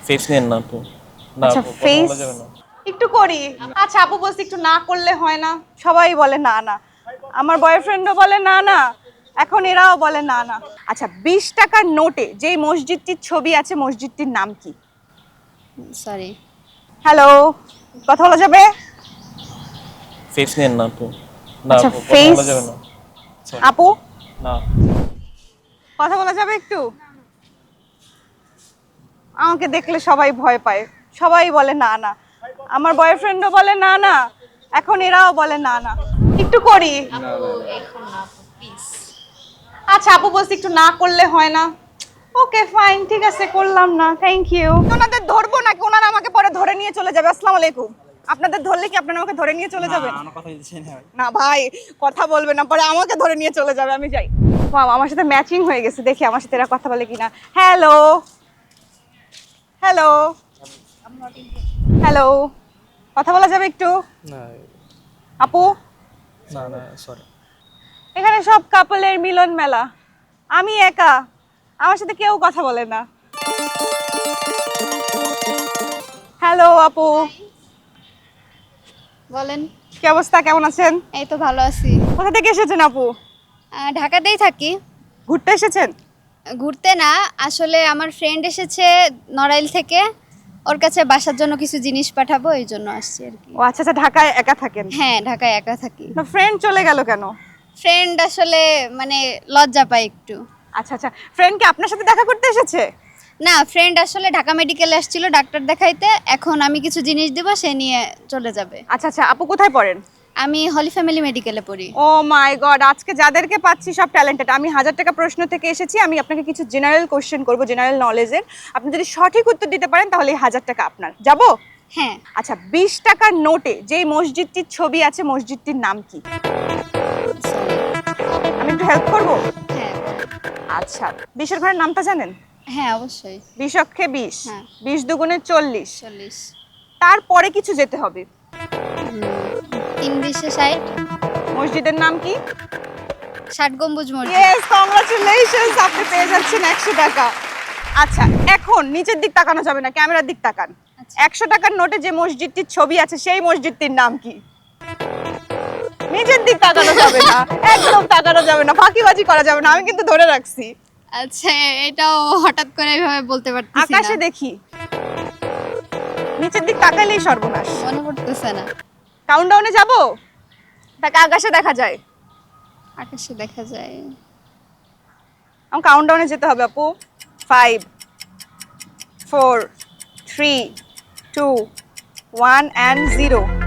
Face নেন না আপু। না আচ্ছা আপু, কথা ফেস বলা যাবে না। একটু করি। আচ্ছা আপু বলছি একটু না করলে হয় না, সবাই বলে না না, আমার বয়ফ্রেন্ডও বলে না না, এখন এরাও বলে না না। আচ্ছা 20 টাকার নোটে যেই মসজিদটির ছবি আছে মসজিদটির নাম কি? সরি। হ্যালো, কথা বলা যাবে? ফেস নেন না আপু। না আচ্ছা আপু, কথা ফেস, বলা যাবে না। সরি। আপু না। কথা বলা যাবে একটু? আমাকে দেখলে সবাই ভয় পায়, সবাই বলে না না, আমার বয়ফ্রেন্ডও বলে না না, এখন এরাও বলে না না। একটু করি। আচ্ছা আপু বলছি একটু না করলে হয় না। ওকে ফাইন, ঠিক আছে করলাম না, থ্যাংক ইউ। ওনাদের ধরবো নাকি ওনারা আমাকে পরে ধরে নিয়ে চলে যাবে? আসসালামু আলাইকুম। আপনাদের ধরলে কি আপনারা আমাকে ধরে নিয়ে চলে যাবেন? না ভাই, কথা বলবে না, পরে আমাকে ধরে নিয়ে চলে যাবে, আমি যাই। ওয়াও, আমার সাথে ম্যাচিং হয়ে গেছে, দেখি আমার সাথে এরা কথা বলে কিনা। হ্যালো হ্যালো হ্যালো, কথা বলা যাবে একটু? না আপু না না, সরি। এখানে সব কাপলের মিলন মেলা, আমি একা, আমার সাথে কেউ কথা বলে না। হ্যালো আপু, বলেন। কি অবস্থা, কেমন আছেন? এই তো ভালো আছি। কোথা থেকে এসেছেন আপু? ঢাকাতেই থাকি। ঘুরতে এসেছেন? ঘুরতে না, আসলে আমার ফ্রেন্ড এসেছে নড়াইল থেকে, ওর কাছে বাসার জন্য কিছু জিনিস পাঠাবো, এই জন্য আসছি আর কি। ও আচ্ছা আচ্ছা, ঢাকায় একা থাকেন? হ্যাঁ, ঢাকায় একা থাকি। না ফ্রেন্ড চলে গেল কেন? ফ্রেন্ড আসলে মানে লজ্জা পায় একটু। আচ্ছা আচ্ছা, ফ্রেন্ড কি আপনার সাথে দেখা করতে এসেছে? না, ফ্রেন্ড আসলে ঢাকা মেডিকেলে আসছিল ডাক্তার দেখাইতে, এখন আমি কিছু জিনিস দেব, সে নিয়ে চলে যাবে। আচ্ছা আচ্ছা, আপু কোথায় পড়েন? আমি হলি ফ্যামিলি মেডিকেলে পড়ি। ও মাই গড, আজকে যাদেরকে পাচ্ছি সব ট্যালেন্টেড। আমি 1000 টাকা প্রশ্ন থেকে এসেছি, আমি আপনাকে কিছু জেনারেল কোশ্চেন করব, জেনারেল নলেজের। আপনি যদি সঠিক উত্তর দিতে পারেন তাহলে এই 1000 টাকা আপনার। যাবো? হ্যাঁ। আচ্ছা 20 টাকার নোটে যেই মসজিদটির ছবি আছে মসজিদটির নাম কি? সরি। আমি একটু হেল্প করব? হ্যাঁ আচ্ছা, 20-এর ঘরের নামটা জানেন? হ্যাঁ, অবশ্যই। 20 অক্ষে 20, হ্যাঁ। 20 দুগুণে 40, 40। তারপরে কিছু যেতে হবে। 3 20 60। মসজিদের নাম কি? 60 গম্বুজ মসজিদ। ইয়েস, কংগ্রাচুলেশনস, আপনি পেয়ে যাচ্ছেন 100 টাকা। আচ্ছা এখন নিচের দিক তাকানো যাবে না, ক্যামেরার দিক তাকান। আচ্ছা। 100 টাকার নোটে যে মসজিদটির ছবি আছে সেই মসজিদটির নাম কি? নিচের দিক তাকানো যাবে না, একদম তাকানো যাবে না, ফাঁকিবাজি করা যাবে না, আমি কিন্তু ধরে রাখছি। আচ্ছা, এটাও হঠাৎ করে এভাবে বলতে পারতেছি না। আকাশে দেখি, নিচের দিক তাকাইলেই সর্বনাশ। মনে পড়তেছে না। কাউন্টডাউনে যাব, তাকে আকাশে দেখা যায়। আকাশে দেখা যায়। আমার কাউন্টডাউনে যেতে হবে আপু। 5 4 3 2 1 and 0।